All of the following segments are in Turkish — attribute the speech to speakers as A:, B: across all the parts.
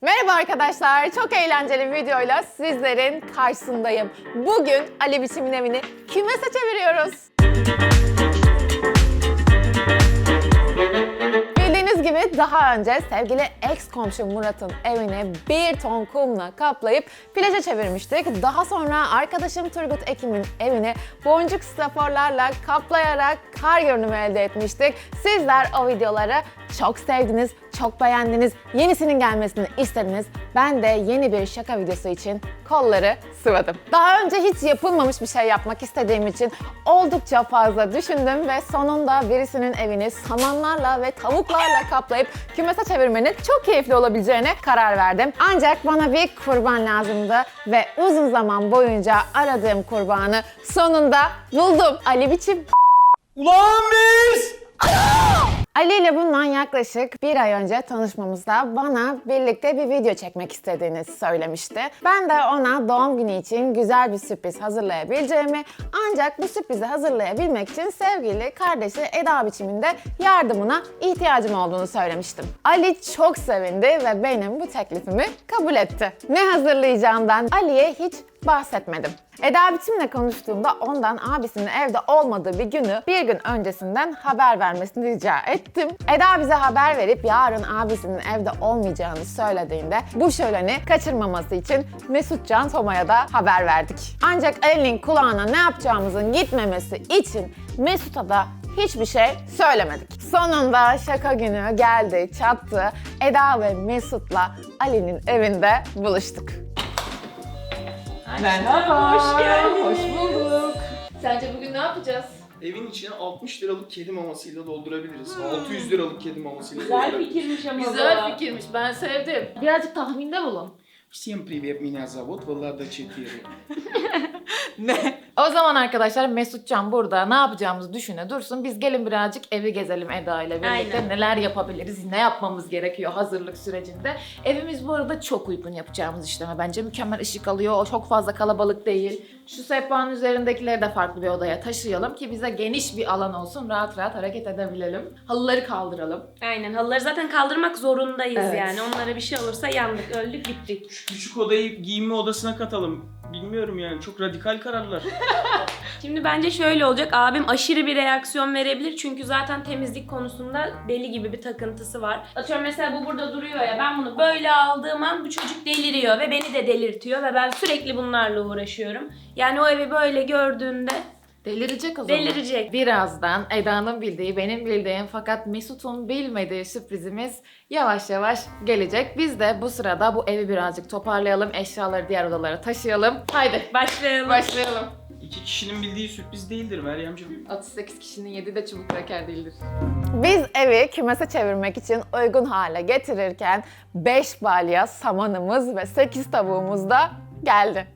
A: Merhaba arkadaşlar, çok eğlenceli bir videoyla sizlerin karşısındayım. Bugün Ali Biçim'in evini kümese çeviriyoruz. Bildiğiniz gibi daha önce sevgili ex komşum Murat'ın evini 1 ton kumla kaplayıp plaja çevirmiştik. Daha sonra arkadaşım Turgut Ekim'in evini boncuk straforlarla kaplayarak kar görünümü elde etmiştik. Sizler o videoları çok sevdiniz, çok beğendiniz, yenisinin gelmesini istediniz. Ben de yeni bir şaka videosu için kolları sıvadım. Daha önce hiç yapılmamış bir şey yapmak istediğim için oldukça fazla düşündüm ve sonunda birisinin evini samanlarla ve tavuklarla kaplayıp kümese çevirmenin çok keyifli olabileceğine karar verdim. Ancak bana bir kurban lazımdı ve uzun zaman boyunca aradığım kurbanı sonunda buldum. Ali Biçim.
B: Ulan biz!
A: Ali ile bundan yaklaşık bir ay önce tanışmamızda bana birlikte bir video çekmek istediğini söylemişti. Ben de ona doğum günü için güzel bir sürpriz hazırlayabileceğimi, ancak bu sürprizi hazırlayabilmek için sevgili kardeşi Eda Biçim'in de yardımına ihtiyacım olduğunu söylemiştim. Ali çok sevindi ve benim bu teklifimi kabul etti. Ne hazırlayacağımdan Ali'ye hiç bahsetmedim. Eda Biçim'le konuştuğumda ondan abisinin evde olmadığı bir günü bir gün öncesinden haber vermesini rica ettim. Eda bize haber verip yarın abisinin evde olmayacağını söylediğinde bu şöleni kaçırmaması için Mesutcan Toma'ya da haber verdik. Ancak Ali'nin kulağına ne yapacağımızın gitmemesi için Mesut'a da hiçbir şey söylemedik. Sonunda şaka günü geldi, çattı. Eda ve Mesut'la Ali'nin evinde buluştuk.
C: Merhaba.
D: Hoş geldin.
C: Hoş bulduk.
D: Sence bugün ne yapacağız?
B: Evin içine 60 liralık kedi mamasıyla doldurabiliriz. 600 liralık kedi mamasıyla
C: Güzel
B: doldurabiliriz.
C: fikirmiş ama
D: Güzel fikirmiş, ben sevdim. Birazcık tahminde bulun.
B: Всем привет, меня зовут Влада 4.
C: Ne?
D: O zaman arkadaşlar Mesutcan burada ne yapacağımızı düşüne dursun. Biz gelin birazcık evi gezelim Eda ile birlikte.
C: Aynen.
D: Neler yapabiliriz, ne yapmamız gerekiyor hazırlık sürecinde. Evimiz bu arada çok uygun yapacağımız işleme. Bence mükemmel ışık alıyor, çok fazla kalabalık değil. Şu sehpanın üzerindekileri de farklı bir odaya taşıyalım ki bize geniş bir alan olsun, rahat rahat hareket edebilelim. Halıları kaldıralım.
E: Aynen, halıları zaten kaldırmak zorundayız
D: Evet.
E: yani. Onlara bir şey olursa yandık, öldük, bittik.
B: Küçük odayı giyinme odasına katalım. Bilmiyorum yani, çok radikal kararlar.
E: Şimdi bence şöyle olacak, abim aşırı bir reaksiyon verebilir. Çünkü zaten temizlik konusunda deli gibi bir takıntısı var. Atıyorum mesela bu burada duruyor ya, ben bunu böyle aldığım an bu çocuk deliriyor ve beni de delirtiyor. Ve ben sürekli bunlarla uğraşıyorum. Yani o evi böyle gördüğünde
D: Delirecek o zaman.
E: delirecek.
D: Birazdan Eda'nın bildiği, benim bildiğim fakat Mesut'un bilmediği sürprizimiz yavaş yavaş gelecek. Biz de bu sırada bu evi birazcık toparlayalım, eşyaları diğer odalara taşıyalım. Haydi
E: Başlayalım.
D: başlayalım.
B: 2 kişinin bildiği sürpriz değildir Meryemciğim.
D: 38 kişinin 7 de çubuk kraker değildir.
A: Biz evi kümese çevirmek için uygun hale getirirken 5 balya samanımız ve 8 tavuğumuz da geldi.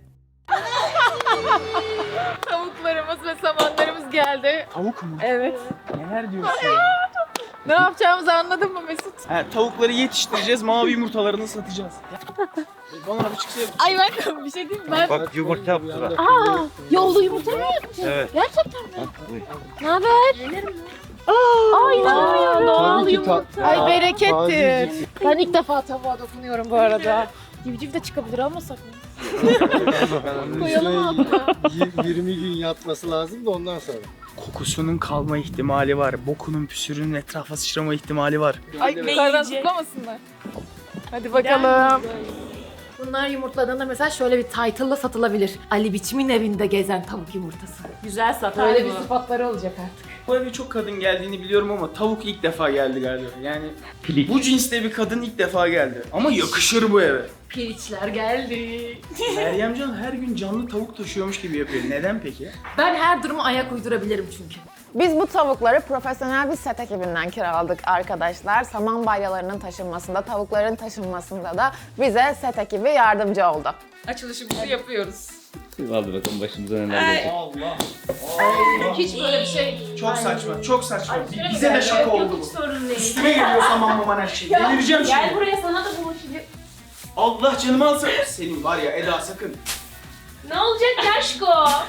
D: Tavuklarımız ve samanlarımız geldi.
B: Tavuk mu?
D: Evet.
B: Neler diyorsun?
D: Ne yapacağımızı anladın mı Mesut?
B: Ha, tavukları yetiştireceğiz, mavi yumurtalarını satacağız. Bana bir çıksa
D: Ay ben bir şey diyeyim mi? Ben...
F: Bak yumurta yaptılar.
D: Aa, yolda yumurta mı yaptın?
F: Evet.
D: Gerçekten mi?
F: Buyur.
D: Ne haber? Aa, inanamıyorum.
E: Doğal yumurta.
D: Ay berekettir. Ben ilk defa tavuğa dokunuyorum bu arada. Civciv de çıkabilir almasak mı? Koyalım altına.
G: 20 gün yatması lazım da ondan sonra.
B: kokusunun kalma ihtimali var. Bokunun, püsürünün etrafa sıçrama ihtimali var.
D: Ay yukarıdan zıplamasınlar. Hadi bakalım. Bunlar yumurtladığında mesela şöyle bir title'la satılabilir. Ali Biçim'in evinde gezen tavuk yumurtası.
E: Güzel satar
D: Böyle
E: bu.
D: bir sıfatları olacak artık.
B: Bu eve çok kadın geldiğini biliyorum ama tavuk ilk defa geldi galiba. Yani bu cinste bir kadın ilk defa geldi. Ama yakışır bu eve.
D: Piliçler geldi.
B: Meryemcan her gün canlı tavuk taşıyormuş gibi yapıyor. Neden peki?
D: Ben her duruma ayak uydurabilirim çünkü.
A: Biz bu tavukları profesyonel bir set ekibinden kiraladık arkadaşlar. Saman balyalarının taşınmasında, tavukların taşınmasında da bize set ekibi yardımcı oldu.
D: Açılışımızı yapıyoruz.
F: Hadi bakalım başımıza neler gelecek.
B: Allah.
D: Hiç böyle bir şey...
B: Çok saçma, çok saçma.
D: Ay,
B: Bize de şaka
E: Yok,
B: oldu
E: hiç
B: bu.
E: sorun değil.
B: Üstüme geliyor saman maman her şey. Delireceğim
E: Gel
B: şimdi.
E: buraya, sana da bulaşacak.
B: Allah canımı alsın. Senin var ya Eda sakın.
E: Ne olacak Yaşko?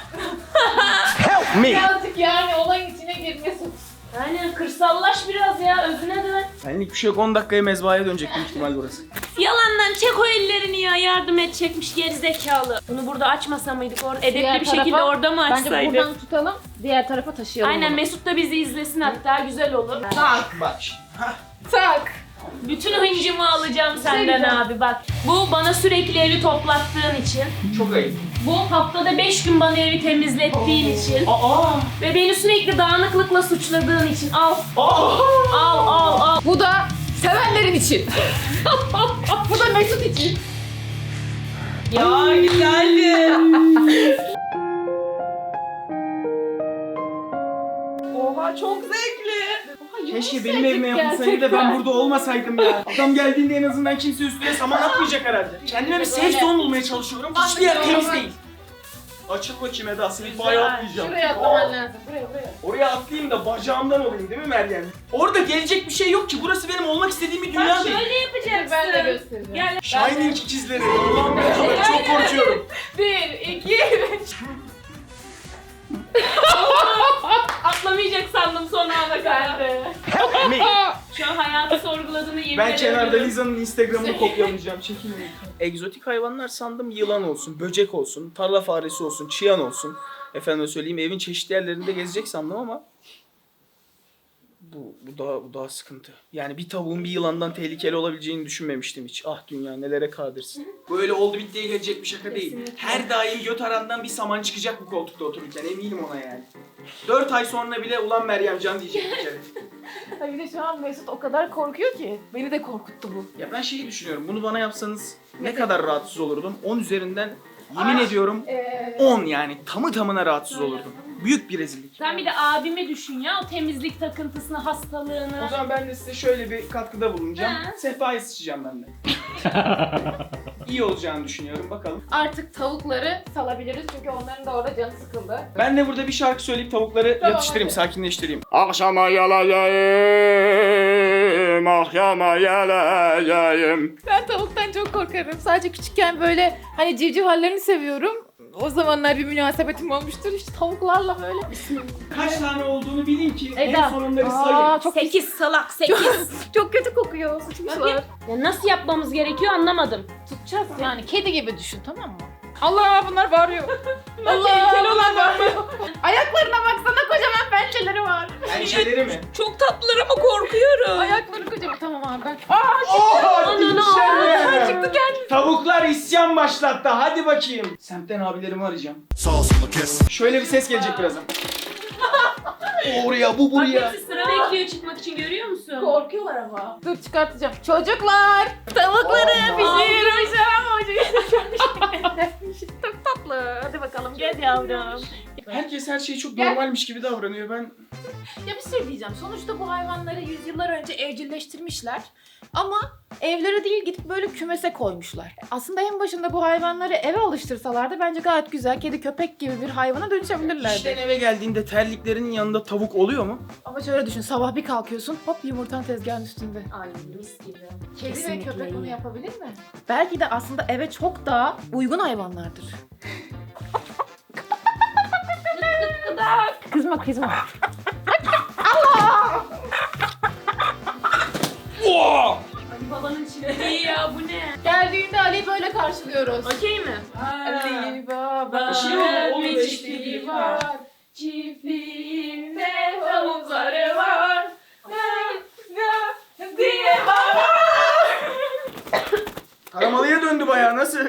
B: Me.
D: Birazcık yani olayın içine girmesin.
E: Aynen, kırsallaş biraz ya, özüne dön.
B: Senlik bir şey yok, 10 dakikaya mezbahaya dönecek büyük ihtimal burası.
E: Yalanlar Hemen çek o ellerini ya, yardım edecekmiş gerizekalı. Bunu burada açmasa mıydık, orada edepli
D: Diğer
E: bir şekilde
D: tarafa-
E: orada mı
D: Bence
E: açsaydık?
D: buradan tutalım, diğer tarafa taşıyalım.
E: Aynen,
D: bunu.
E: Mesut da bizi izlesin hatta, güzel olur.
B: Bak şimdi. Hah.
D: Tak.
E: Bütün hıncımı alacağım senden
D: güzel.
E: abi bak. Bu bana sürekli evi toplattığın için.
B: Çok ayıp.
E: Bu haftada 5 gün bana evi temizlettiğin için.
B: Aa!
E: Ve beni sürekli dağınıklıkla suçladığın için. Al.
B: Aa!
E: Al.
D: Bu da sevenlerin için. Bu da Mesut için.
C: Ya güzeldi. Oha çok zevkli.
B: Keşke benim evime yapılsaydı da ben burada olmasaydım ya. Adam geldiğinde en azından kimse üstüne saman atmayacak herhalde. Kendime bir safe zone bulmaya çalışıyorum. Hiçbir yer temiz değil. Açıl bakayım Eda, seni bayağı atlayacağım.
D: Şuraya atlaman lazım. Buraya.
B: Oraya atlayayım da bacağımdan olayım değil mi Meryem? Orada gelecek bir şey yok ki. Burası benim olmak istediğim bir dünya
E: Bak
B: değil.
E: şöyle yapacaksın.
D: Ben de göstereceğim.
E: Gel.
B: Shining ikizleri. Allah'ım ne kadar çok korkuyorum.
D: 1, 2, 3.
E: Atlamayacak sandım son ana kadar.
B: Ne?
E: Şu an hayatı sorguladığını yemin
B: Ben
E: ederim.
B: kenarda Liza'nın Instagram'ını kopyalayacağım. Çekinmeyin. Egzotik hayvanlar sandım, yılan olsun, böcek olsun, tarla faresi olsun, çıyan olsun. Efendime söyleyeyim, evin çeşitli yerlerinde gezecek sandım ama bu daha sıkıntı. Yani bir tavuğun bir yılandan tehlikeli olabileceğini düşünmemiştim hiç. Ah dünya nelere kadirsin. Böyle oldu bittiye gelecek bir şaka değil. Her daim göt arandan bir saman çıkacak bu koltukta otururken, eminim ona yani. 4 ay sonra bile ulan Meryemcan diyecek bir kere.
D: Ay bir de şu an Mesut o kadar korkuyor ki. Beni de korkuttu bu.
B: Ya ben şeyi düşünüyorum, bunu bana yapsanız ne kadar rahatsız olurdum? 10 üzerinden yemin ediyorum 10 yani tamı tamına rahatsız olurdum. Büyük bir rezillik.
E: Sen bir de abimi düşün ya, o temizlik takıntısını, hastalığını.
B: O zaman ben de size şöyle bir katkıda bulunacağım.
E: Ha.
B: Sehpayı sıçacağım ben de. İyi olacağını düşünüyorum, bakalım.
D: Artık tavukları salabiliriz çünkü onların da orada canı sıkıldı.
B: Ben de burada bir şarkı söyleyip tavukları
D: Tamam,
B: yatıştırayım,
D: hadi.
B: sakinleştireyim. Akşama yalayayım, akşama yalayayım.
D: Ben tavuktan çok korkarım. Sadece küçükken böyle hani civciv hallerini seviyorum. O zamanlar bir münasebetim olmuştur. İşte tavuklarla böyle.
B: Kaç tane olduğunu bilin ki en
D: Eda.
B: sonunda sayın.
D: Çok
E: 8 salak 8.
D: çok kötü kokuyor. Sıçmışlar.
E: Ya nasıl yapmamız gerekiyor anlamadım.
D: Tutacağız yani. Kedi gibi düşün, tamam mı? Allah, bunlar bağırıyor. Allah,
E: tehlikeli
D: bunlar bağırıyor. Ayaklarına baksana, kocaman pençeleri var.
B: Pençeleri mi?
E: Çok tatlılar ama korkuyorum.
D: Ayakları kocaman. Tamam abi ben.
B: Ananı
D: Çıktı geldi.
B: Tavuklar isyan başlattı. Hadi bakayım. Semtten abilerimi arayacağım. Şöyle bir ses gelecek birazdan. Oraya, bu
E: Bak
B: buraya.
E: hepsi sıra bekliyor çıkmak için, görüyor musun?
D: Korkuyorlar ama. Dur çıkartacağım. Çocuklar, tavukları pişirmişim ama çok tatlı. Hadi bakalım gel yavrum.
B: Herkes her şey çok
D: Gel.
B: normalmiş gibi davranıyor. Ben
D: Ya bir şey diyeceğim. Sonuçta bu hayvanları yüzyıllar önce evcilleştirmişler. Ama evlere değil, gidip böyle kümese koymuşlar. Aslında en başında bu hayvanları eve alıştırsalardı bence gayet güzel kedi köpek gibi bir hayvana dönüşebilirlerdi.
B: işten eve geldiğinde terliklerinin yanında tavuk oluyor mu?
D: Ama şöyle düşün, sabah bir kalkıyorsun hop yumurtan tezgahın üstünde.
E: Ay mis gibi.
D: Kedi
E: Kesinlikle
D: ve köpek bunu
E: iyi.
D: yapabilir mi? Belki de aslında eve çok daha uygun hayvanlardır. Kızma kızma.
E: Ali babanın çilediği ya, bu ne?
D: Geldiğinde Ali'yi böyle karşılıyoruz.
E: Okey mi?
D: Ali baba
B: Bir şey yok, olur,
D: bir
B: olur.
D: çiftliği var. Çiftliğinde tavukları var. Diye
B: Karamalıya döndü bayağı, nasıl?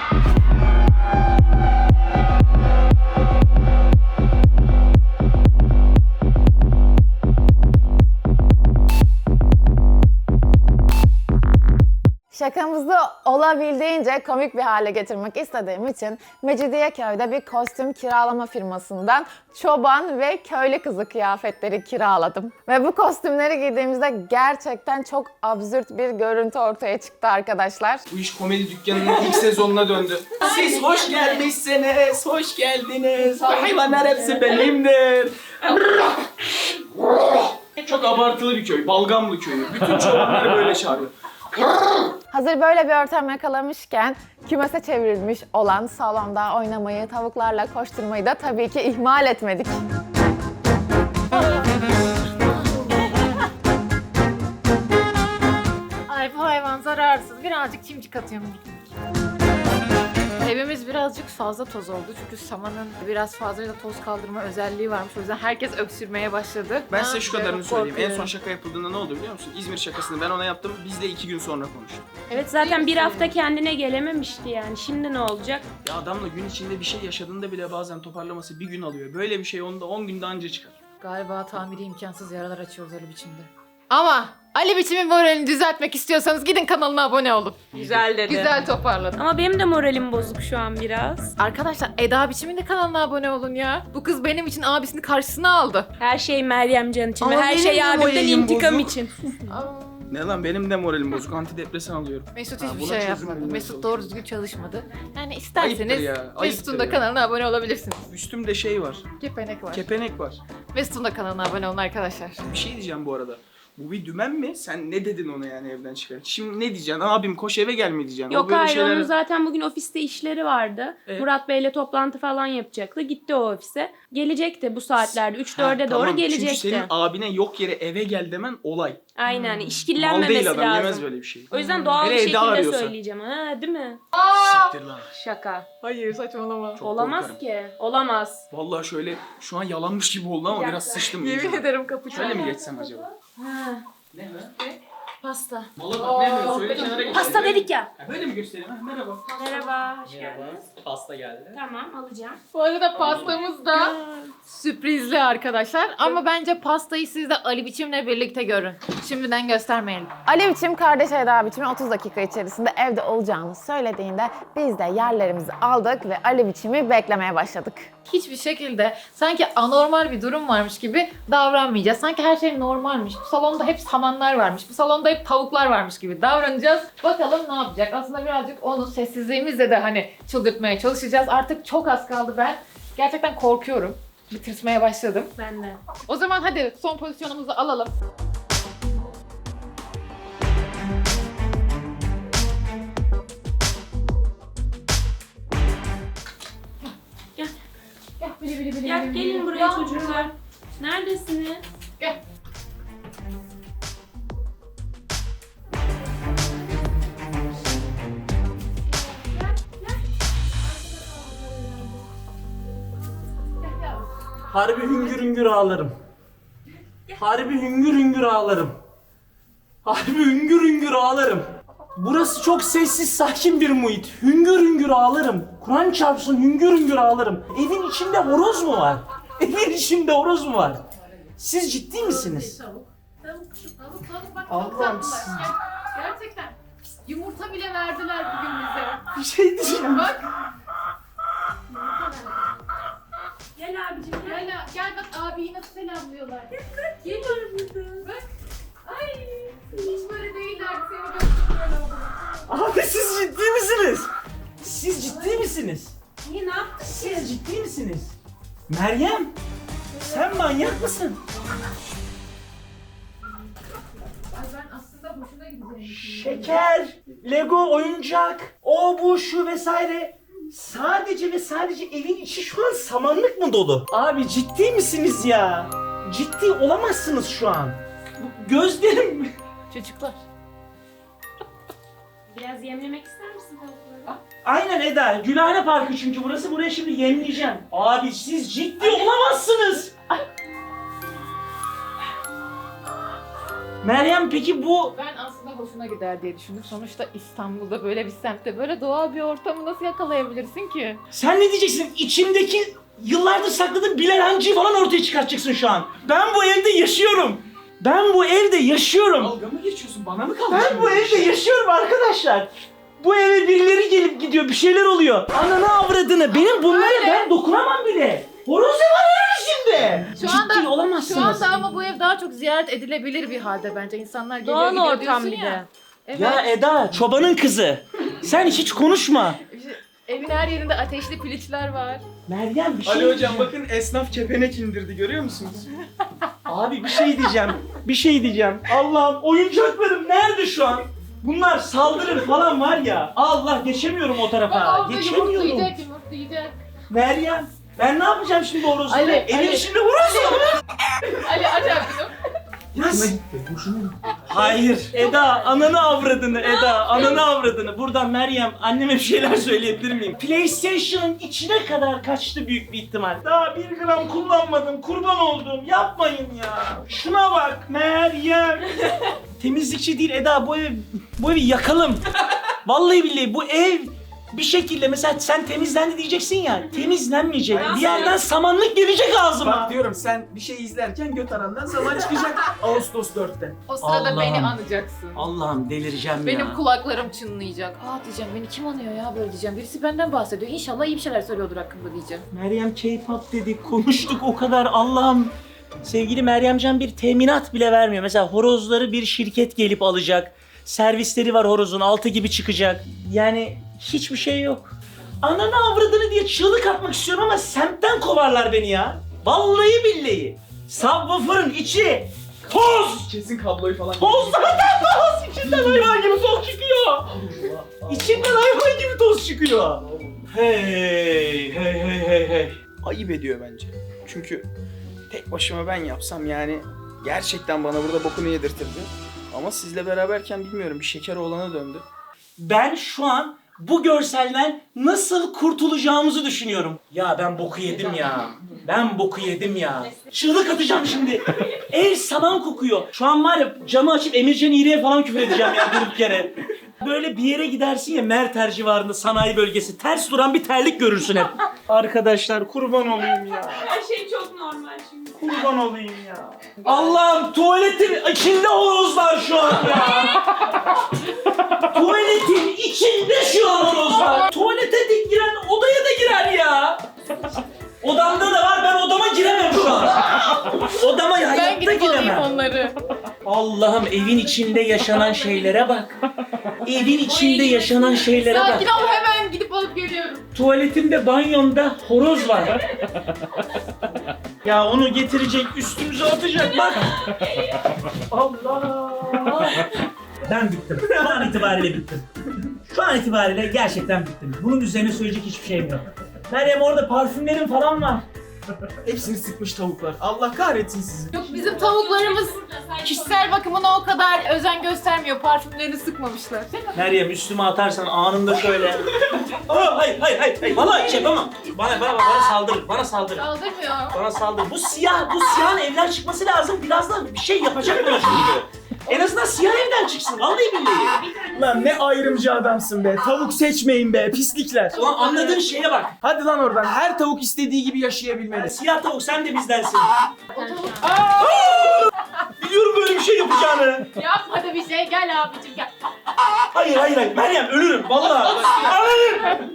A: Şakamızı olabildiğince komik bir hale getirmek istediğim için Mecidiyeköy'de bir kostüm kiralama firmasından çoban ve köylü kızı kıyafetleri kiraladım. Ve bu kostümleri giydiğimizde gerçekten çok absürt bir görüntü ortaya çıktı arkadaşlar.
B: Bu iş komedi dükkanının ilk sezonuna döndü. Siz hoş gelmişsiniz, hoş geldiniz. Hayvanlar hepsi benimdir. Çok abartılı bir köy, Balgamlı köyü. Bütün çobanları böyle çağırıyor.
A: Hazır böyle bir ortam yakalamışken kümese çevrilmiş olan salonda oynamayı, tavuklarla koşturmayı da tabii ki ihmal etmedik.
D: Ay bu hayvan Saman zararsız. Birazcık çimcik atıyorum. Evimiz birazcık fazla toz oldu çünkü samanın biraz fazla da toz kaldırma özelliği varmış. O yüzden herkes öksürmeye başladı.
B: Ben
D: Ne
B: size şu
D: yapacağım,
B: kadarını söyleyeyim. En son
D: korkuyorum.
B: şaka yapıldığında ne oldu biliyor musun? İzmir şakasını ben ona yaptım. Biz de 2 gün sonra konuştuk.
E: Evet zaten bir hafta kendine gelememişti yani. Şimdi ne olacak?
B: Ya adamla gün içinde bir şey yaşadığında bile bazen toparlaması bir gün alıyor. Böyle bir şey onda 10 günde anca çıkar.
D: Galiba tamiri imkansız yaralar açıyoruz Ali Biçim'de. Ama Ali Biçim'in moralini düzeltmek istiyorsanız gidin kanalına abone olun.
C: Güzel dedi.
D: Güzel toparladım.
E: Ama benim de moralim bozuk şu an biraz.
D: Arkadaşlar Eda Biçim'in de kanalına abone olun ya. Bu kız benim için abisini karşısına aldı.
E: Her şey Meryem Can için ve
B: Ama
E: her
B: benim
E: şey
B: de
E: abimden
B: moralim
E: intikam
B: bozuk.
E: için.
B: Ne lan benim de moralim bozuk. Antidepresan alıyorum.
D: Mesut
B: Ha,
D: hiçbir
B: buna
D: şey
B: çözüm
D: yapmadı.
B: bulmaya
D: Mesut
B: çalışıyorum.
D: doğru düzgün çalışmadı. Yani
B: Ayıptır
D: isterseniz
B: ya, ayıptır
D: Mesut'un da
B: ya.
D: kanalına abone olabilirsiniz.
B: Üstümde şey var.
D: Kepenek var.
B: Kepenek var.
D: Mesut'un da kanalına abone olun arkadaşlar.
B: Bir şey diyeceğim bu arada. Bu bir dümen mi? Sen ne dedin ona yani evden çıkar? Şimdi ne diyeceksin? Abim koş eve gel mi diyeceksin? O
E: Yok
B: böyle
E: hayır
B: şeyler-
E: onun zaten bugün ofiste işleri vardı.
B: Evet.
E: Murat Bey'le toplantı falan yapacaktı. Gitti o ofise. Gelecekti bu saatlerde. 3-4'e
B: Ha,
E: doğru
B: tamam.
E: gelecekti.
B: Çünkü senin abine yok yere eve gel demen olay.
E: Aynen
B: Mal
E: işkillenmemesi
B: değil adam yemez
E: lazım.
B: böyle bir şey.
E: O yüzden doğal bir
B: Hele Eda
E: şekilde
B: arıyorsa.
E: söyleyeceğim. Ha değil mi?
B: Siktir lan.
E: Şaka.
D: Hayır saçmalama.
B: Çok
E: Olamaz
B: korkarım.
E: ki. Olamaz.
B: Vallahi şöyle şu an yalanmış gibi oldu ama
E: Bir
B: biraz
E: dakika.
B: sıçtım.
D: Yemin ederim kapı
B: Şöyle mi geçsem acaba?
E: Ha,
B: Ne mi?
D: Pasta.
B: Mala bak ne diyor? Söyle kenara geç.
E: pasta dedik ya.
B: Böyle mi göstereyim? Ha, merhaba.
E: Merhaba. Hoş geldiniz.
F: Pasta geldi.
E: Tamam alacağım.
D: Bu arada pastamız da sürprizli arkadaşlar. Ama bence pastayı siz de Ali Biçim'le birlikte görün. Şimdiden göstermeyelim.
A: Ali Biçim kardeş Eda Biçim'in 30 dakika içerisinde evde olacağını söylediğinde biz de yerlerimizi aldık ve Ali Biçim'i beklemeye başladık.
D: Hiçbir şekilde sanki anormal bir durum varmış gibi davranmayacağız. Sanki her şey normalmiş. Bu salonda hep samanlar varmış. Bu salonda hep tavuklar varmış gibi davranacağız. Bakalım ne yapacak? Aslında birazcık onu sessizliğimizle de hani çıldırtmaya çalışacağız. Artık çok az kaldı ben. Gerçekten korkuyorum. Bitirmeye başladım.
E: Ben de.
D: O zaman hadi son pozisyonumuzu alalım.
E: Gel.
D: Gel bili bili bili.
E: Ya
D: bili,
E: gelin
D: bili.
E: buraya
D: Ya.
E: çocuklar. Neredesiniz?
D: Gel.
H: Harbi hüngür hüngür ağlarım. Harbi hüngür hüngür ağlarım. Harbi hüngür hüngür ağlarım. Burası çok sessiz, sakin bir muhit. Hüngür hüngür ağlarım. Kur'an çarpsın hüngür hüngür ağlarım. Evin içinde horoz mu var? Evin içinde horoz mu var? Siz ciddi misiniz?
D: Tavuk bak
H: Allah'ım siz...
D: Gerçekten. Yumurta bile verdiler bugün bize.
H: Bir şey diyeceğim.
D: Bak.
E: Gel abicim gel.
D: Gel bak abiyi nasıl selamlıyorlar.
E: Gel burada.
D: Bak. Ay. Hiç böyle değiller. Seni gördüm böyle oldu.
H: Abi siz ciddi misiniz? Siz ciddi misiniz?
E: Niye ne yaptın?
H: Siz ciddi misiniz? Meryem, sen manyak mısın?
D: Ay ben aslında hoşuna gideceğim.
H: Şeker, Lego, oyuncak, o bu şu vesaire. Sadece ve sadece evin içi şu an samanlık mı dolu? Abi ciddi misiniz ya? Ciddi olamazsınız şu an. Bu gözlerim...
D: Çocuklar.
E: Biraz yemlemek ister misin tavukları?
H: Aynen Eda, Gülhane Parkı çünkü burası. Buraya şimdi yemleyeceğim. Abi siz ciddi olamazsınız. Meryem peki bu...
D: Ben aslında hoşuna gider diye düşündüm. Sonuçta İstanbul'da böyle bir semtte böyle doğal bir ortamı nasıl yakalayabilirsin ki?
H: Sen ne diyeceksin? İçimdeki yıllardır sakladığım Bilal Hancı'yı falan ortaya çıkartacaksın şu an. Ben bu evde yaşıyorum. Ben bu evde yaşıyorum.
B: Dalga mı geçiyorsun? Bana mı kaldı?
H: Ben bu evde yaşıyorum arkadaşlar. Bu eve birileri gelip gidiyor, bir şeyler oluyor. Ananı avradını, benim bunlara ben dokunamam bile. Horoz ne var evin içinde? Ciddi olamazsınız.
D: Şu anda ama bu ev daha çok ziyaret edilebilir bir halde bence. İnsanlar geliyor
E: Doğal
D: gidiyor
E: ortam
D: diyorsun
E: bir
D: ya.
E: de.
D: Evet.
H: Ya Eda, çobanın kızı. Sen hiç konuşma.
D: İşte evin her yerinde ateşli piliçler var.
H: Meryem bir şey
B: Ali hocam
H: diyeceğim.
B: bakın esnaf kepenek indirdi görüyor musunuz?
H: Abi bir şey diyeceğim. Bir şey diyeceğim. Allah'ım oyuncaklarım nerede şu an? Bunlar saldırır falan var ya. Allah geçemiyorum o
D: Bak
H: tarafa.
D: orada
H: Geçemiyorum.
D: yumurtlayacak.
H: Meryem ben ne yapacağım şimdi horozla?
D: Ali,
H: Evin
D: Ali.
H: içinde horoz var.
D: Ali aç abi bunu.
H: Nasıl? Hayır. Eda, ananı avradını Eda, ananı avradını. Buradan Meryem, anneme bir şeyler söyleyebilir miyim? PlayStation'ın içine kadar kaçtı büyük bir ihtimal. Daha 1 gram kullanmadım, kurban oldum. Yapmayın ya. Şuna bak Meryem. Temizlikçi değil Eda, bu evi yakalım. Vallahi billahi bu ev bir şekilde mesela sen temizlendi diyeceksin ya, temizlenmeyecek. Bir yerden samanlık gelecek ağzıma.
B: Bak diyorum sen bir şey izlerken göt arandan zaman çıkacak Ağustos 4'te.
D: O sırada
H: Allah'ım.
D: beni anacaksın.
H: Allah'ım delireceğim
D: Benim
H: ya.
D: kulaklarım çınlayacak. Aa diyeceğim, beni kim anıyor ya böyle diyeceğim. Birisi benden bahsediyor. İnşallah iyi bir şeyler söylüyordur hakkında diyeceğim.
H: Meryem K-pop dedik, konuştuk o kadar, Allah'ım. Sevgili Meryemcan bir teminat bile vermiyor. Mesela horozları bir şirket gelip alacak. Servisleri var horozun, 6 gibi çıkacak. Yani hiçbir şey yok. Ananı avradını diye çığlık atmak istiyorum ama semtten kovarlar beni ya. Vallahi billahi. Subwoofer'ın içi toz.
B: Kesin kabloyu falan.
H: Toz zaten toz. İçinden hayvan gibi toz çıkıyor. İçinden hayvan gibi toz çıkıyor. Hey hey hey hey hey.
B: Ayıp ediyor bence. Çünkü tek başıma ben yapsam yani gerçekten bana burada bokunu yedirtirdi. Ama sizle beraberken bilmiyorum bir şeker oğlana döndü.
H: Ben şu an bu görselden nasıl kurtulacağımızı düşünüyorum. Ya ben boku yedim ya. Ben boku yedim ya. Çığlık atacağım şimdi. Ev saman kokuyor. Şu an var ya camı açıp Emircan İğri'ye falan küfür edeceğim ya durduk yere. Böyle bir yere gidersin ya Merter civarında sanayi bölgesi. Ters duran bir terlik görürsün hep. Arkadaşlar kurban olayım ya.
E: Her şey çok normal çünkü.
H: Kurban olayım ya. Allah'ım tuvaletin içinde horozlar şu an ya. Tuvaletin içinde şu an horozlar. Tuvalete de giren odaya da girer ya. Odamda da var, ben odama giremem şu an. Odama
D: Ben
H: hayatta
D: gidip alayım
H: giremem.
D: onları.
H: Allah'ım evin içinde yaşanan şeylere bak. Evin içinde yaşanan şeylere bak.
D: Sakin ol, hemen gidip alıp geliyorum.
H: Tuvaletimde, banyomda horoz var. Ya onu getirecek, üstümüze atacak bak. Allah. Ben bittim. Şu an itibariyle bittim. Şu an itibariyle gerçekten bittim. Bunun üzerine söyleyecek hiçbir şeyim yok. Meryem orada parfümlerim falan var.
B: Hepsini sıkmış tavuklar. Allah kahretsin sizi.
D: Yok, bizim tavuklarımız kişisel bakımına o kadar özen göstermiyor. Parfümlerini sıkmamışlar. Değil mi?
H: Meryem üstüme atarsan anında şöyle. Aa, hayır. Vallahi şey yapamam. Bana saldırır. Bana saldırır.
D: Saldırmıyor.
H: Bana saldırır. Bu siyahın evden çıkması lazım. Birazdan bir şey yapacak bana çünkü. En azından siyah evden çıksın. Vallahi billahi.
B: Lan ne ayrımcı adamsın be. Tavuk seçmeyin be pislikler.
H: Ulan anladığın şeye bak.
B: Hadi lan oradan. Her tavuk istediği gibi yaşayabilmeli.
H: Siyah tavuk sen de bizdensin. Biliyorum böyle bir şey yapacağını.
D: Yapma da bir şey, gel abicim gel.
H: Hayır. Meryem ölürüm. Vallahi. Ölürüm.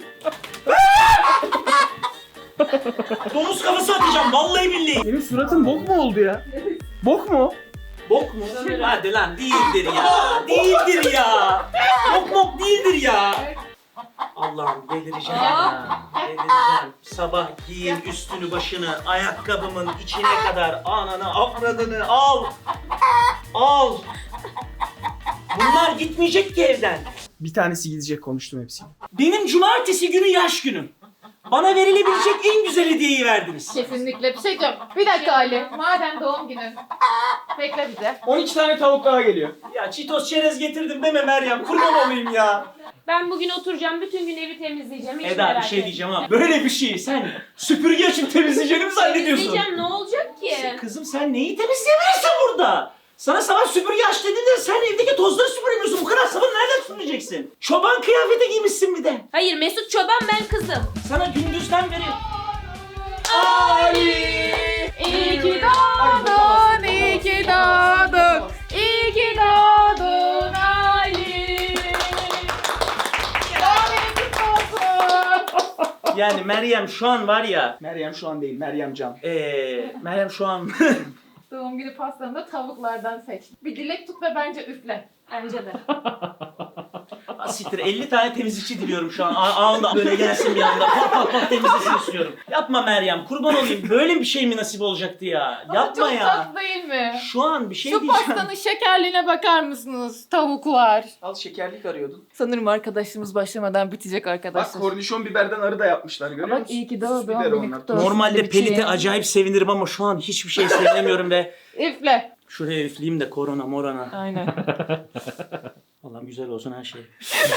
H: Domuz kafası atacağım. Vallahi billahi.
B: Senin suratın bok mu oldu ya? Bok mu?
H: Bok mu? Hadi lan değildir ya. Değildir ya. Bok değildir ya. Allah'ım delireceğim ya. Delireceğim. Sabah giyin üstünü başını ayakkabımın içine kadar ananı avradını al. Al. Bunlar gitmeyecek ki evden.
B: Bir tanesi gidecek konuştum hepsini.
H: Benim cumartesi günü yaş günüm. Bana verilebilecek en güzel hediyeyi verdiniz.
D: Kesinlikle bir şey diyeceğim. Bir dakika Ali. Madem doğum günün. Bekle bize.
B: 12 tane tavuk daha geliyor.
H: Ya çitos çerez getirdim deme Meryem. Kurban olayım ya.
E: Ben bugün oturacağım, bütün gün evi temizleyeceğim. Hiç
H: Eda bir
E: merak
H: şey
E: etme.
H: diyeceğim ama böyle bir şeyi sen süpürge açıp temizleyeceğini mi zannediyorsun?
E: Temizleyeceğim, ne olacak ki?
H: Kızım sen neyi temizleyebilirsin burada? Sana sabah süpürge aç dediğinde sen evdeki tozları süpüremiyorsun. Bu kadar sabun nereden süpüreceksin? Çoban kıyafeti giymişsin bir de.
E: Hayır, Mesut Çoban, ben kızım.
H: Sana gündüzden beri...
D: İyi ki doğdun, iyi ki doğdun. İyi ki doğdun Ali. Doğum günün kutlu olsun.
H: Yani Meryem şu an var ya...
B: Meryem şu an değil, Meryem Can.
H: Meryem şu an...
D: Doğum günü pastanı da tavuklardan seç. Bir dilek tut ve bence üfle.
E: Bence de.
H: Siktir 50 tane temizlikçi diliyorum şu an. Ağında böyle gelsin bir anda. Pat temizlesin istiyorum. Yapma Meryem kurban olayım. Böyle bir şey mi nasip olacaktı ya? Yapma
D: Çok
H: ya.
D: tatlı değil mi?
H: Şu an bir şey
D: Şu
H: diyeceğim.
D: pastanın şekerliğine bakar mısınız? Tavuklar.
B: Al şekerlik arıyordun.
D: Sanırım arkadaşımız başlamadan bitecek
B: Bak
D: arkadaşlar.
B: kornişon biberden arı da yapmışlar görüyor
D: Bak,
B: musun?
D: iyi ki
B: Süs
D: doğdun,
B: biberi
D: beni
B: onlar.
D: kutlu olsun.
H: Normalde
D: Bir şey.
H: Pelit'e acayip sevinirim ama şu an hiçbir şey sevinemiyorum ve
D: Üfle.
H: Şuraya üfleyeyim de korona morona.
C: Aynen.
H: Allah'ım güzel olsun her şey.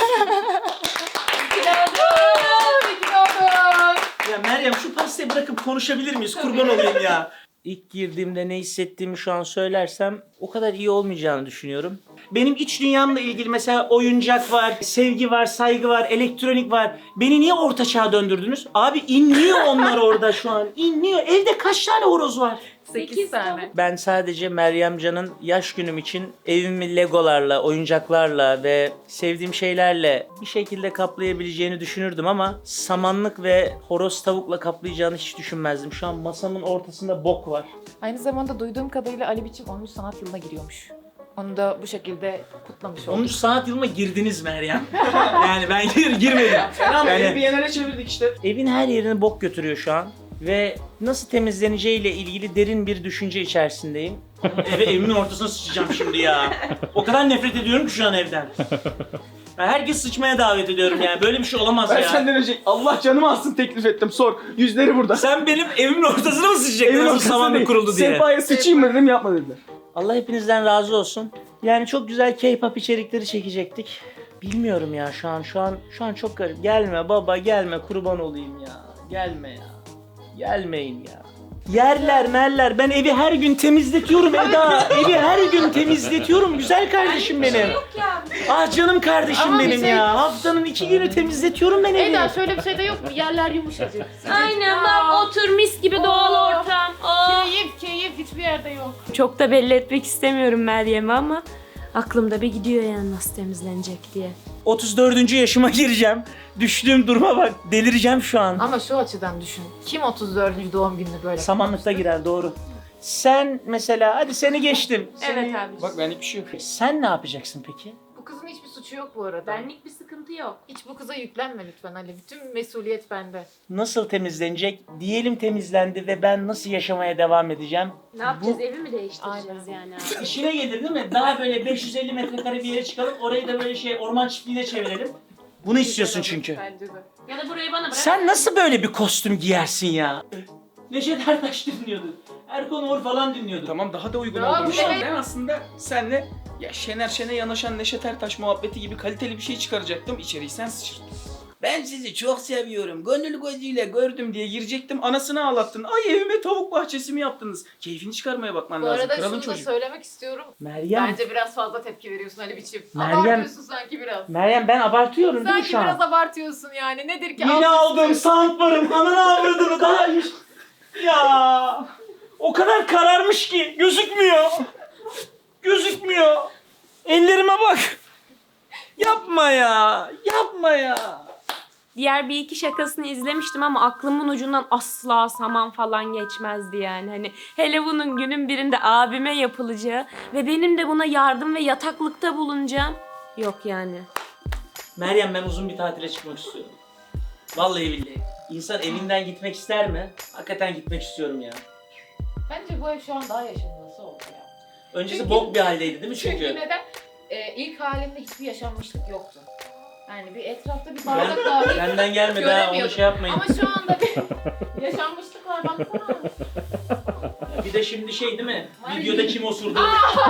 H: Ya Meryem şu pastayı bırakıp konuşabilir miyiz? Kurban olayım ya. İlk girdiğimde ne hissettiğimi şu an söylersem o kadar iyi olmayacağını düşünüyorum. Benim iç dünyamla ilgili mesela oyuncak var, sevgi var, saygı var, elektronik var. Beni niye orta çağa döndürdünüz? Abi inliyor onlar orada şu an. İnliyor. Evde kaç tane horoz var?
D: 8 tane.
H: Ben sadece Meryem Can'ın yaş günüm için evimi legolarla, oyuncaklarla ve sevdiğim şeylerle bir şekilde kaplayabileceğini düşünürdüm ama samanlık ve horoz tavukla kaplayacağını hiç düşünmezdim. Şu an masamın ortasında bok var.
D: Aynı zamanda duyduğum kadarıyla Ali Biçim 10. sanat yılına giriyormuş. Onu da bu şekilde kutlamış
H: 13
D: olduk.
H: sanat yılıma girdiniz Meryem. Yani ben girmedim.
B: Ama
H: Yani-
B: evi bir yerlere çevirdik işte.
H: Evin her yerini bok götürüyor şu an. Ve nasıl temizleneceğiyle ilgili derin bir düşünce içerisindeyim. Evimin ortasına sıçacağım şimdi ya. O kadar nefret ediyorum ki şu an evden. Ya herkes sıçmaya davet ediyorum yani. Böyle bir şey olamaz
B: Ben
H: ya.
B: senden önce Allah canımı alsın teklif ettim. Sor. Yüzleri burada.
H: Sen benim evimin ortasına mı sıçacaksın? Nasıl samanla
B: değil.
H: kuruldu diye.
B: Sehpaya sıçayım mı dedim, yapma dediler.
H: Allah hepinizden razı olsun. Yani çok güzel K-pop içerikleri çekecektik. Bilmiyorum ya şu an çok garip. Gelme baba gelme, kurban olayım ya. Gelme ya. Gelmeyin ya. Yerler merler. Ben evi her gün temizletiyorum Eda. Evi her gün temizletiyorum güzel kardeşim benim.
E: Yok ya.
H: Ah canım kardeşim
D: Ama bir
H: benim
D: şey-
H: ya. Haftanın 2 günü temizletiyorum ben evi.
D: Eda şöyle bir şey de yok mu? Yerler yumuşacık.
E: Aynen bak otur mis gibi doğal ortam. Oh.
D: Keyif hiçbir yerde yok.
E: Çok da belli etmek istemiyorum Meryem'e ama aklımda bir gidiyor yani nasıl temizlenecek diye.
H: 34. yaşıma gireceğim. Düştüğüm duruma bak. Delireceğim şu an.
D: Ama şu açıdan düşün. Kim 34. doğum gününü böyle?
H: Samanlıkta girer doğru. Sen mesela hadi seni geçtim.
E: Evet abi.
B: Bak benlik bir şey yok.
H: Sen ne yapacaksın peki?
D: Bu kızın hiçbir suçu yok bu arada.
E: Benlik bir sıkıntı yok.
D: Hiç bu kıza yüklenme lütfen Ali. Bütün mesuliyet bende.
H: Nasıl temizlenecek? Diyelim temizlendi ve ben nasıl yaşamaya devam edeceğim?
E: Ne yapacağız? Evi mi değiştireceğiz
D: Aynen.
E: yani abi?
H: İşine gelir değil mi? Daha böyle 550 metrekare bir yere çıkalım. Orayı da böyle orman çiftliğine çevirelim. Bunu istiyorsun çünkü.
D: Bence de.
E: Ya da burayı bana bırak.
H: Sen nasıl böyle bir kostüm giyersin ya? Neşet Ertaş dinliyordu. Erkan Oğur falan dinliyordu.
B: Tamam, daha da uygun
D: Tamam,
B: oldu. Şu an
D: evet.
B: ben aslında senle ya Şener Şen'e yanaşan Neşet Ertaş muhabbeti gibi kaliteli bir şey çıkaracaktım. İçeriği sen sıçırdın. Ben sizi çok seviyorum. Gönül gözüyle gördüm diye girecektim. Anasını ağlattın. Ay evime tavuk bahçesi mi yaptınız? Keyfini çıkarmaya bakman
D: Bu
B: lazım.
D: arada
B: Kralın
D: şunu da
B: çocuğu.
D: söylemek istiyorum.
H: Meryem.
D: Bence biraz fazla tepki veriyorsun Ali Biçim.
H: Meryem-
D: Abartıyorsun sanki biraz.
H: Meryem ben abartıyorum değil mi
D: Sanki
H: şu an?
D: biraz abartıyorsun yani. Nedir ki?
H: Yeni
D: Alt
H: aldığım
D: üstü.
H: soundbar'ım ananı avradını daha hiç... Ya o kadar kararmış ki gözükmüyor. Gözükmüyor. Ellerime bak. Yapma ya. Yapma ya.
E: Diğer bir iki şakasını izlemiştim ama aklımın ucundan asla saman falan geçmezdi yani. Hani hele bunun günün birinde abime yapılacağı ve benim de buna yardım ve yataklıkta bulunacağım. Yok yani.
H: Meryem ben uzun bir tatile çıkmak istiyorum. Vallahi billahi. İnsan evinden gitmek ister mi? Hakikaten gitmek istiyorum ya.
D: Bence bu ev şu an daha yaşanması oldu ya.
H: Öncesi
D: Çünkü-
H: bok bir haldeydi değil mi
D: Çünkü
H: çünkü?
D: neden? İlk halinde hiçbir yaşanmışlık yoktu. Yani bir etrafta bir bardak dahi
H: Benden gelmedi ha onu
D: göremiyordum.
H: şey yapmayın.
D: Ama şu anda bir yaşanmışlık var baksana.
H: Bir de şimdi şey değil mi?
D: Ay.
H: Videoda kim osurdu?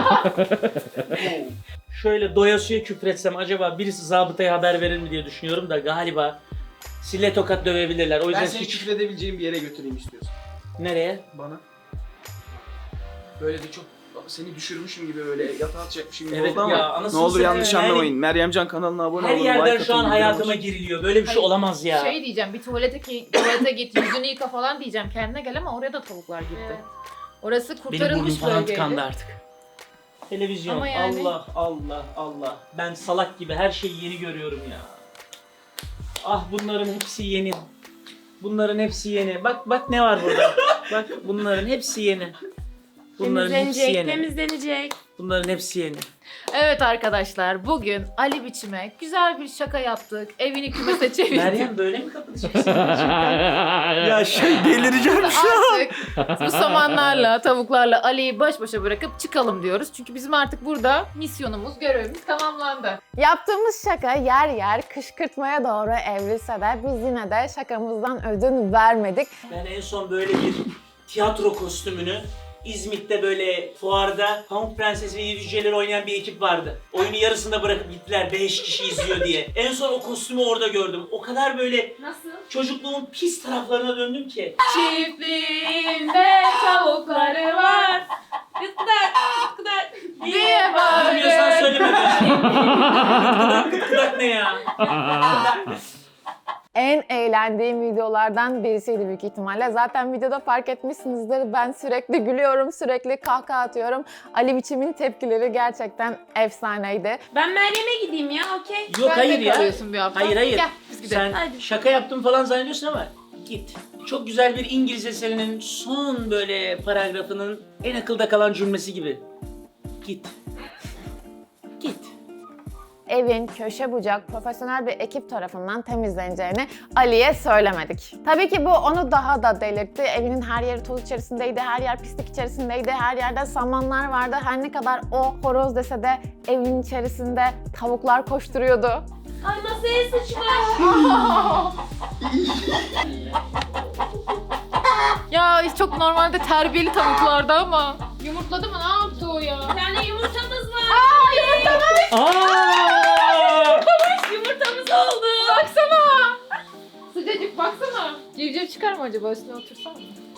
H: Şöyle doyasıya küfretsem acaba birisi zabıtaya haber verir mi diye düşünüyorum da galiba sille tokat dövebilirler. O yüzden
B: Ben seni
H: hiç...
B: küfredebileceğim bir yere götüreyim istiyorsan.
H: Nereye?
B: Bana. Böyle de çok seni düşürmüşüm gibi böyle yatağa atacakmışım gibi
H: Evet
B: oldu ama
H: ya, anasını
B: ne olur
H: satayım
B: yanlış
H: yani.
B: anlamayın. Meryemcan kanalına abone
H: Her
B: olun.
H: yerden
B: like
H: şu an
B: atın,
H: hayatıma
B: bildirim
H: giriliyor. Böyle bir şey
D: Hayır,
H: olamaz ya.
D: Şey diyeceğim, bir tuvalete git, yüzünü yıka falan diyeceğim. Kendine gel ama oraya da tavuklar gitti.
E: Evet.
D: Orası
H: Benim burnum
D: kurtarılmış
H: falan
D: bölgeydi.
H: tıkandı artık. Televizyon.
D: Ama yani-
H: Allah Allah Allah. Ben salak gibi her şeyi yeni görüyorum ya. Ah bunların hepsi yeni. Bunların hepsi yeni. Bak ne var burada. Bak bunların hepsi yeni. Bunların hepsi
E: Temizlenecek,
H: yeni.
E: temizlenecek.
H: Bunların hepsi yeni.
D: Evet arkadaşlar, bugün Ali Biçim'e güzel bir şaka yaptık. Evini kümese çevirdik.
H: Meryem böyle mi kapatacaksın? Ya delireceğim
D: Artık bu samanlarla, tavuklarla Ali'yi baş başa bırakıp çıkalım diyoruz. Çünkü bizim artık burada misyonumuz, görevimiz tamamlandı.
A: Yaptığımız şaka yer yer kışkırtmaya doğru evrilse de biz yine de şakamızdan ödün vermedik.
H: Ben en son böyle bir tiyatro kostümünü İzmit'te böyle fuarda Pamuk Prenses ve Yedi Cüceleri oynayan bir ekip vardı. Oyunu yarısında bırakıp gittiler 5 kişi izliyor diye. En son o kostümü orada gördüm. O kadar böyle
E: Nasıl?
H: çocukluğumun pis taraflarına döndüm ki.
E: Çiftliğinde tavukları var. Gıdak diye
H: Bilmiyorsan
E: bağırır.
H: söyleme be. Gıdak ne ya?
A: En eğlendiğim videolardan birisiydi büyük ihtimalle. Zaten videoda fark etmişsinizdir. Ben sürekli gülüyorum, sürekli kahkaha atıyorum. Ali Biçim'in tepkileri gerçekten efsaneydi.
E: Ben Meryem'e gideyim ya, okey.
H: Yok hayır ya.
D: kalıyorsun bir hafta.
H: Hayır.
D: Gel biz gidelim.
H: Sen
E: Hadi.
H: şaka yaptım falan zannediyorsun ama git. Çok güzel bir İngiliz eserinin son böyle paragrafının en akılda kalan cümlesi gibi. Git. Git.
A: Evin köşe bucak profesyonel bir ekip tarafından temizleneceğini Ali'ye söylemedik. Tabii ki bu onu daha da delirtti. Evinin her yeri toz içerisindeydi, her yer pislik içerisindeydi, her yerde samanlar vardı. Her ne kadar o horoz dese de evin içerisinde tavuklar koşturuyordu.
E: Ay masaya sıçmış.
D: Ya çok normalde terbiyeli tavuklardı ama. Yumurtladı mı? Ne yaptı o ya?
E: Bir tane yumurtamız var.
H: Aa!
E: Yumurtamız oldu.
D: Baksana. Sıcacık baksana. Civciv çıkar mı acaba? Üstüne otursana.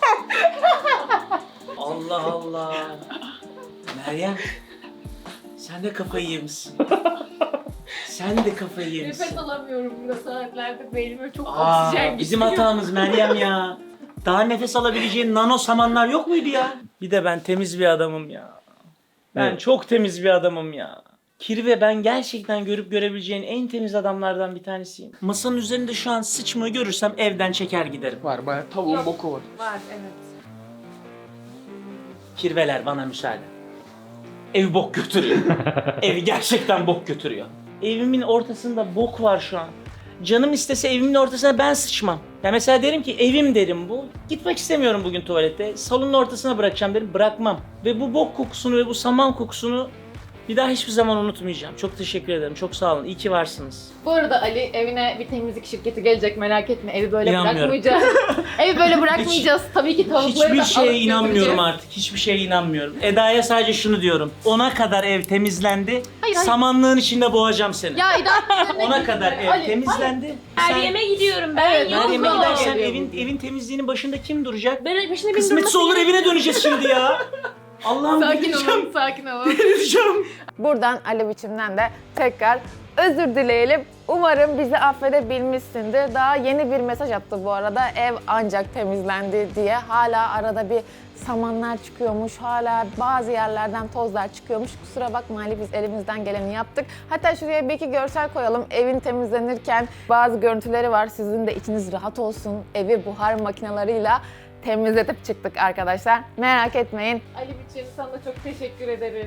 H: Allah Allah. Meryem, sen de kafayı yemişsin. Sen de kafayı yemişsin.
D: Nefes alamıyorum burada saatlerdir. Beynime çok
H: Aa,
D: oksijen
H: bizim
D: gitmiyor.
H: hatamız Meryem ya. Daha nefes alabileceğin nano samanlar yok muydu ya? Bir de ben temiz bir adamım ya. Ben
F: Evet.
H: çok temiz bir adamım ya. Kirve ben gerçekten görüp görebileceğin en temiz adamlardan bir tanesiyim. Masanın üzerinde şu an sıçmayı görürsem evden çeker giderim.
B: Var bayağı tavuğun boku var.
D: Var evet.
H: Kirveler bana müsaade. Ev bok götürüyor. Evi gerçekten bok götürüyor. Evimin ortasında bok var şu an. Canım istese evimin ortasına ben sıçmam. Ya mesela derim ki evim derim bu. Gitmek istemiyorum bugün tuvalete. Salonun ortasına bırakacağım derim. Bırakmam. Ve bu bok kokusunu ve bu saman kokusunu bir daha hiçbir zaman unutmayacağım. Çok teşekkür ederim. Çok sağ olun. İyi ki varsınız.
D: Bu arada Ali evine bir temizlik şirketi gelecek merak etme. Evi böyle
H: İnanmıyorum.
D: bırakmayacağız. Evi böyle bırakmayacağız. Tabii ki tavukları
H: Hiçbir
D: da
H: şeye
D: alıp
H: inanmıyorum
D: götüreceğiz.
H: artık. Hiçbir şeye inanmıyorum. Eda'ya sadece şunu diyorum. Ona kadar ev temizlendi.
D: Hayır.
H: Samanlığın içinde boğacağım seni.
D: Ya İdam
H: Ona kadar ev temizlendi. Sen
E: Meryem'e gidiyorum ben.
D: Evet,
E: Yok
H: Meryem'e
E: mu?
H: gidersen
D: geliyor
H: evin temizliğinin başında kim duracak?
E: Ben başına bir
H: Kısmetse olur evine döneceğiz şimdi ya. Allah'ım
D: Sakin
H: delireceğim.
D: olun, sakin olun.
H: Delireceğim.
A: Buradan Ali Biçim'den de tekrar özür dileyelim. Umarım bizi affedebilmişsindir. Daha yeni bir mesaj attı bu arada. Ev ancak temizlendi diye. Hala arada bir samanlar çıkıyormuş. Hala bazı yerlerden tozlar çıkıyormuş. Kusura bakma Ali, biz elimizden geleni yaptık. Hatta şuraya bir iki görsel koyalım. Evin temizlenirken bazı görüntüleri var. Sizin de içiniz rahat olsun. Evi buhar makinalarıyla temizletip çıktık arkadaşlar. Merak etmeyin.
D: Ali Biçim sana çok teşekkür ederiz.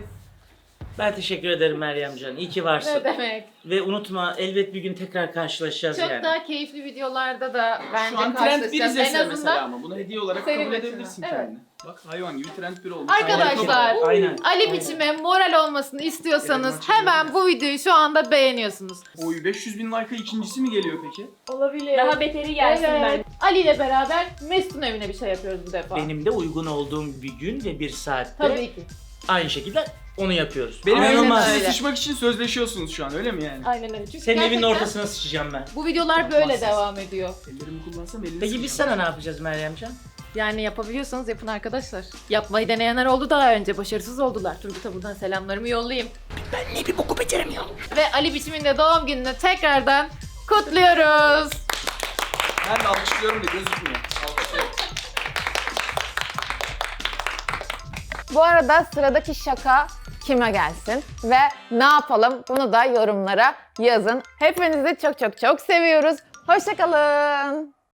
H: Ben teşekkür ederim Meryemcan. İyi ki varsın.
D: Ne demek?
H: Ve unutma elbet bir gün tekrar karşılaşacağız
D: Çok
H: yani.
D: daha keyifli videolarda da bence
B: Şu an trend bir
D: karşılaşacağız.
B: Rize'si
D: En
B: mesela
D: azından
B: ama bunu hediye olarak
D: senin
B: kabul
D: için.
B: edebilirsin
D: Evet.
B: kendine. Bak hayvan gibi trend bir oldu.
D: arkadaşlar
H: Aynen.
D: Ali Biçim'e moral olmasını istiyorsanız
B: Evet,
D: hemen bu videoyu şu anda beğeniyorsunuz.
B: Oy 500 bin like'a ikincisi mi geliyor peki?
D: Olabilir.
E: Daha beteri gelsin
D: Evet. Ali ile beraber Mesut'un evine bir şey yapıyoruz bu defa.
H: Benim de uygun olduğum bir gün ve bir saatte
D: Tabii ki.
H: aynı şekilde onu yapıyoruz.
B: Benim
D: Aynen
B: evime
D: öyle.
B: sıçmak için sözleşiyorsunuz şu an öyle mi yani?
D: Aynen öyle. Çünkü
H: Senin evinin
D: gerçekten
H: ortasına sıçacağım ben.
D: bu videolar böyle
B: Yapmazsın.
D: devam ediyor.
B: Ellerimi kullansam elini
H: Peki biz
B: sıçacağım.
H: sana ne yapacağız Meryemcan?
D: Yani yapabiliyorsanız yapın arkadaşlar. Yapmayı deneyenler oldu daha önce. Başarısız oldular. Turgut'a buradan selamlarımı yollayayım.
H: Ben ne bir boku beceremiyorum.
D: Ve Ali Biçim'in de doğum gününü tekrardan kutluyoruz.
B: Ben de alkışlıyorum da gözükmüyor. Alkışlıyorum.
A: Bu arada sıradaki şaka kime gelsin ve ne yapalım bunu da yorumlara yazın. Hepinizi çok çok çok seviyoruz. Hoşça kalın.